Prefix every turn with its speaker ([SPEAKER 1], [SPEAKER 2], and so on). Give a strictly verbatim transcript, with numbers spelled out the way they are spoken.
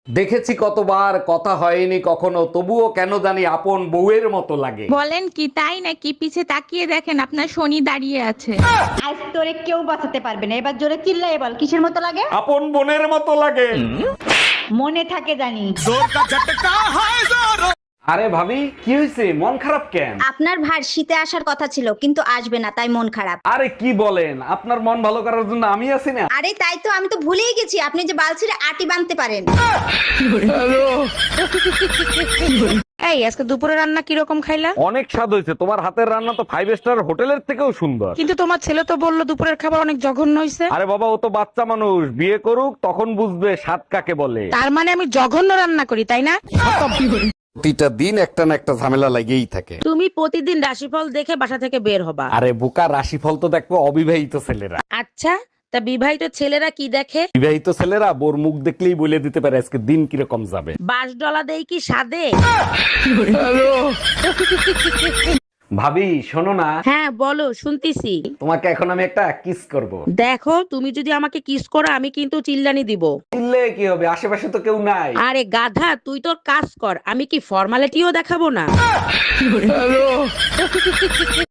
[SPEAKER 1] দেখেছি কতবার, কথা হয়নি কখনো, তবুও কেন জানি আপন বউয়ের মতো লাগে।
[SPEAKER 2] বলেন কি তাই নাকি? পিছে তাকিয়ে দেখেন আপনার শনি দাঁড়িয়ে আছে।
[SPEAKER 3] আজ তোরে কেউ বাঁচাতে পারবে না। এবার জোরে চিল্লাই বল, কিসের মতো লাগে?
[SPEAKER 1] আপন বোনের মতো লাগে।
[SPEAKER 3] মনে থাকে জানি।
[SPEAKER 1] আরে ভাবি, কি হয়েছে, মন খারাপ কেন?
[SPEAKER 4] আপনার ভার শীতে আসার কথা ছিল কিন্তু আসবে না, তাই মন খারাপ।
[SPEAKER 1] আরে কি বলেন, আপনার মন ভালো করার জন্য আমি আছি না।
[SPEAKER 4] আরে তাই তো, আমি তো ভুলেই গেছি আপনি যে বালছিরে আটি বাঁধতে পারেন।
[SPEAKER 2] এই আজকে দুপুরে রান্না কিরকম খাইলা?
[SPEAKER 1] অনেক স্বাদ হয়েছে, তোমার হাতের রান্না তো ফাইভ স্টার হোটেলের থেকেও সুন্দর।
[SPEAKER 2] কিন্তু তোমার ছেলে তো বললো দুপুরের খাবার অনেক জঘন্য হয়েছে।
[SPEAKER 1] আরে বাবা, ও তো বাচ্চা মানুষ, বিয়ে করুক তখন বুঝবে স্বাদ কাকে বলে।
[SPEAKER 2] তার মানে আমি জঘন্য রান্না করি, তাই না?
[SPEAKER 1] প্রতিটা দিন একটা না একটা ঝামেলা লাগেই থাকে।
[SPEAKER 2] তুমি প্রতিদিন রাশিফল দেখে বাসা থেকে বের হবা।
[SPEAKER 1] আরে বোকা, রাশিফল তো দেখবো অবিবাহিত ছেলেরা।
[SPEAKER 2] আচ্ছা, তা বিবাহিত ছেলেরা কি দেখে?
[SPEAKER 1] বিবাহিত ছেলেরা বোর মুখ দেখলেই বলে দিতে পারে আজকে দিন কিরকম যাবে।
[SPEAKER 2] বাস ডলা দেই কি সাদে?
[SPEAKER 1] ভাবি শোনো না,
[SPEAKER 2] হ্যাঁ বলো, শুনতিছি।
[SPEAKER 1] তোমাকে এখন আমি একটা কিস করব।
[SPEAKER 2] দেখো, তুমি যদি আমাকে কিস করো আমি কিন্তু চিল্লানি দিব।
[SPEAKER 1] চিল্লে কি হবে, আশেপাশে তো কেউ নাই।
[SPEAKER 2] আরে গাধা, তুই তোর কাজ কর, আমি কি ফর্মালিটিও দেখাবো না?